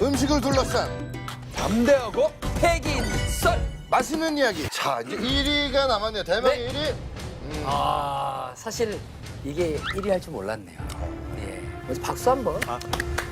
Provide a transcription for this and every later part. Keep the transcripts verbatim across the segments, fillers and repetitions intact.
음식을 둘러싼 담대하고 패기 있는 썰. 맛있는 이야기. 자, 이제 일 위가 남았네요. 대망의 네. 일 위. 아, 사실 이게 일 위 할 줄 몰랐네요. 예. 먼저 박수 한 번. 네.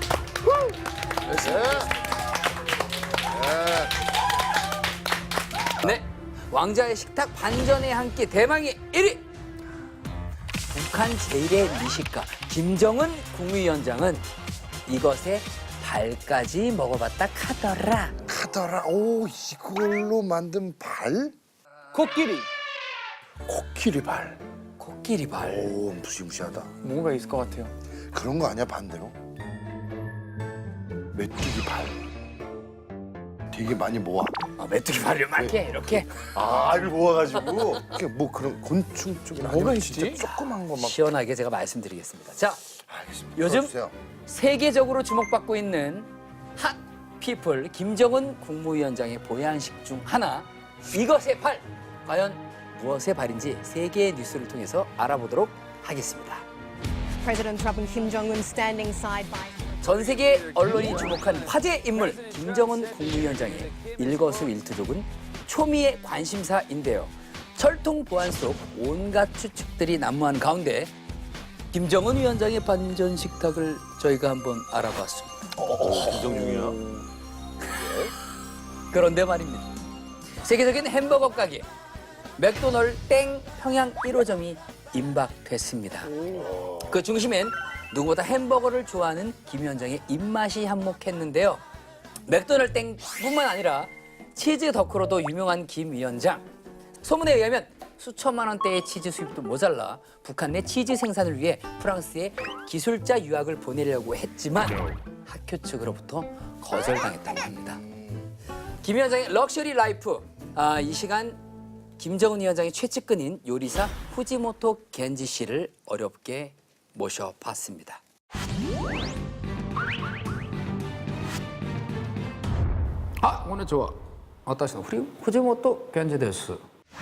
네. 네. 왕자의 식탁 반전의 한 끼 대망의 일 위. 북한 제일의 미식가 김정은 국무위원장은 이것에 발까지 먹어봤다 카더라. 카더라. 오, 이걸로 만든 발? 코끼리. 코끼리 발. 코끼리 발. 오, 무시무시하다. 뭔가 있을 것 같아요. 그런 거 아니야, 반대로? 메뚜기 발. 되게 많이 모아. 어, 메뚜기 발을 이렇게 이렇게 아, 알을 모아가지고. 그게 뭐 그런 곤충 쪽이나 뭐가 아니면 있지? 진짜 조그만 거 막. 시원하게 제가 말씀드리겠습니다. 자, 알겠습니다. 요즘 풀어주세요. 세계적으로 주목받고 있는 핫 피플 김정은 국무위원장의 보양식 중 하나 이것의 발 과연 무엇의 발인지 세계의 뉴스를 통해서 알아보도록 하겠습니다. President Trump and Kim Jong-un standing side by side. 전 세계 언론이 주목한 화제 인물 김정은 국무위원장의 일거수일투족은 초미의 관심사인데요. 철통 보안 속 온갖 추측들이 난무한 가운데 김정은 위원장의 반전 식탁을 저희가 한번 알아봤습니다. 긴장 중이야. 그런데 말입니다. 세계적인 햄버거 가게 맥도널드 땡 평양 일 호점이 임박됐습니다. 그 중심엔 누구보다 햄버거를 좋아하는 김 위원장의 입맛이 한몫했는데요. 맥도널드 땡뿐만 아니라 치즈 덕후로도 유명한 김 위원장. 소문에 의하면 수천만 원대의 치즈 수입도 모자라 북한 내 치즈 생산을 위해 프랑스에 기술자 유학을 보내려고 했지만 학교 측으로부터 거절당했다고 합니다. 김 위원장의 럭셔리 라이프. 아, 이 시간 김정은 위원장의 최측근인 요리사 후지모토 겐지 씨를 어렵게 모셔봤습니다. 아, 오늘 좋아. 어떠시나? 우리 후지모토 겐지 데스.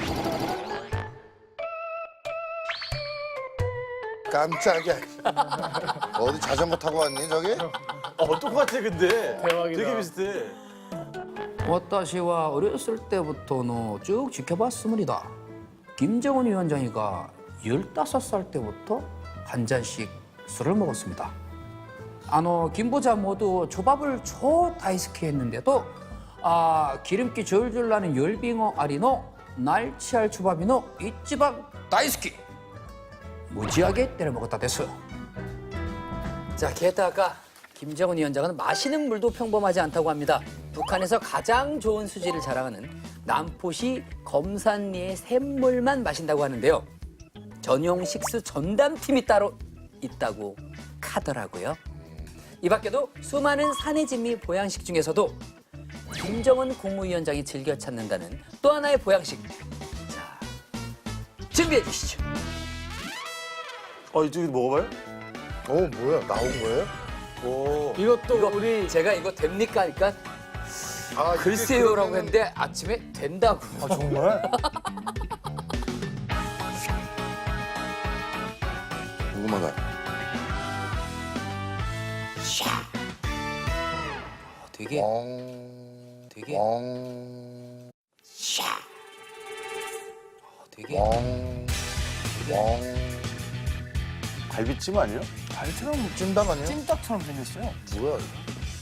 깜짝이야. 어디 자전거 타고 왔니, 저기? 어, 똑같아 근데. 대박이다. 되게 비슷해. 私は 어렸을 때부터 쭉 지켜봤습니다. 김정은 위원장이가 열다섯 살 때부터 한 잔씩 술을 먹었습니다. 아노 김부자 모두 초밥을 초 다이스키 했는데도 아 기름기 줄줄 나는 열빙어 아리노 날치알 초밥이노 이찌방 다이스키 무지하게 때려 먹었다 됐어. 자, 게다가 김정은 위원장은 마시는 물도 평범하지 않다고 합니다. 북한에서 가장 좋은 수질을 자랑하는 남포시 검산리의 샘물만 마신다고 하는데요. 전용 식수 전담팀이 따로 있다고 하더라고요. 이 밖에도 수많은 산의 진미 보양식 중에서도 김정은 국무위원장이 즐겨 찾는다는 또 하나의 보양식. 자, 준비해 주시죠. 어, 이쪽에 먹어봐요? 어, 뭐야, 나온 거예요? 오. 이것도 이거 우리 제가 이거 됩니까? 하니까 아, 이게 글쎄요라고 그러면은- 했는데 아침에 된다고. 아, 정말? 궁금하다. 어, 되게 왕, 되게 왕, 어, 되게 왕, 왕. 갈비찜 아니에요? 발처럼 찜닭 아니에요? 찜닭처럼 생겼어요. 뭐야, 이거?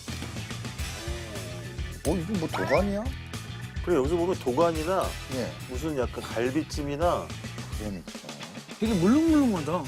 어, 이게 뭐 도가니야? 그래 여기서 보면 도가니나 예, 무슨 약간 갈비찜이나 그러니까. 되게 물렁물렁하다.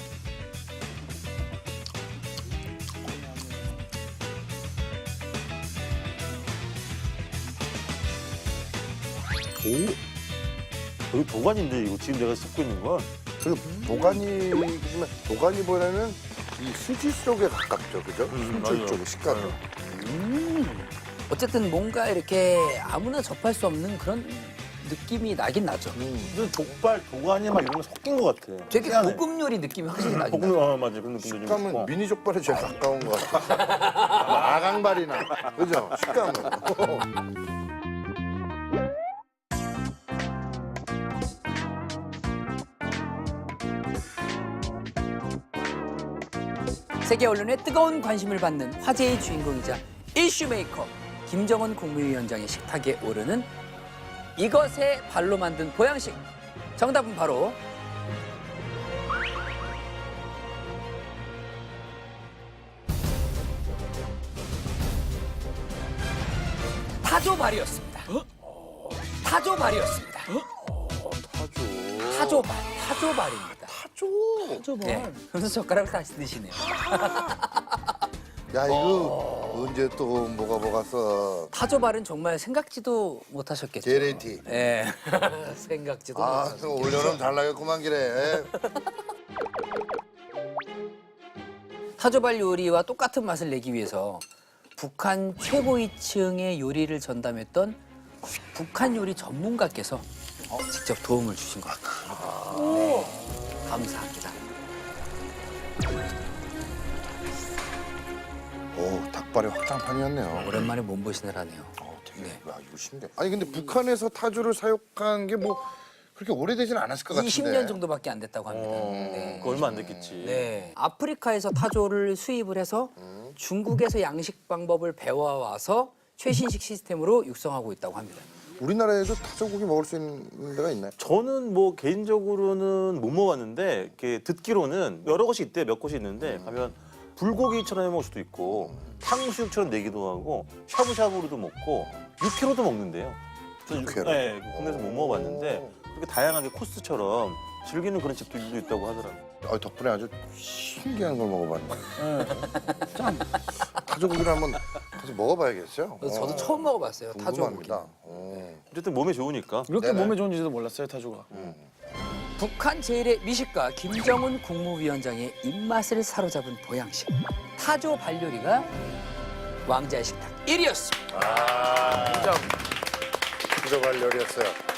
오. 여기 도가니인데 이거 지금 내가 씹고 있는 건. 그 도가니, 도가니보다는 이 수지 쪽에 가깝죠, 그죠? 음, 수지 맞아요. 쪽에 식감이. 음. 어쨌든 뭔가 이렇게 아무나 접할 수 없는 그런 느낌이 나긴 나죠. 무슨 족발, 도가니 막 이런 거 섞인 것 같아. 되게 희한해. 고급 요리 느낌이 확실히 나긴 볶음, 나죠. 어, 맞아. 그런 느낌도 좀 식감은 있고. 미니 족발에 제일 가까운 것 같아. 아강발이나, 그죠? 식감은. 세계 언론의 뜨거운 관심을 받는 화제의 주인공이자 이슈메이커 김정은 국무위원장의 식탁에 오르는 이것의 발로 만든 보양식. 정답은 바로 타조발이었습니다. 타조발이었습니다. 타조. 타조발, 타조발입니다. 타조. 네, 그래서 젓가락을 다시 드시네요. 야 이거 언제 또 뭐가 뭐가 써. 타조발은 정말 생각지도 못하셨겠죠. 제레티. 예, 생각지도 아, 못하셨죠. 또 올여름 잘 나겠구만 기래. 타조발 요리와 똑같은 맛을 내기 위해서 북한 최고위층의 요리를 전담했던 북한 요리 전문가께서 어, 직접 도움을 주신 것 같아요. 네, 감사합니다. 오, 닭발의 확장판이었네요. 오랜만에 몸보신을 하네요. 어, 되게, 네. 야, 이거 신기해. 아니 근데 북한에서 타조를 사육한 게 뭐 그렇게 오래되진 않았을 것 같은데. 이십 년 정도밖에 안 됐다고 합니다. 어, 네. 그 얼마 안 됐겠지. 네. 아프리카에서 타조를 수입을 해서 중국에서 양식 방법을 배워와서 최신식 시스템으로 육성하고 있다고 합니다. 우리나라에도 타조고기 먹을 수 있는 데가 있나요? 저는 뭐 개인적으로는 못 먹었는데 이렇게 듣기로는 여러 곳이 있대 몇 곳이 있는데 가면 불고기처럼 해 먹을 수도 있고 탕수육처럼 내기도 하고 샤브샤브로도 먹고 육회로도 먹는데요. 저는 육- 육회로? 네, 국내에서 못 먹어봤는데 그렇게 다양하게 코스처럼 즐기는 그런 집들도 있다고 하더라고요. 아, 덕분에 아주 신기한 걸 먹어봤네. 참. 타조고기를 한번 가서 먹어봐야겠어요. 그래서 저도 어, 처음 먹어봤어요. 타조고기. 궁금합니다. 어. 어쨌든 몸에 좋으니까. 이렇게 네네. 몸에 좋은지도 몰랐어요, 타조가. 북한 제일의 미식가 김정은 국무위원장의 입맛을 사로잡은 보양식 타조 발요리가 왕자의 식탁 일 위였습니다. 아, 인정. 타조발 요리였어요.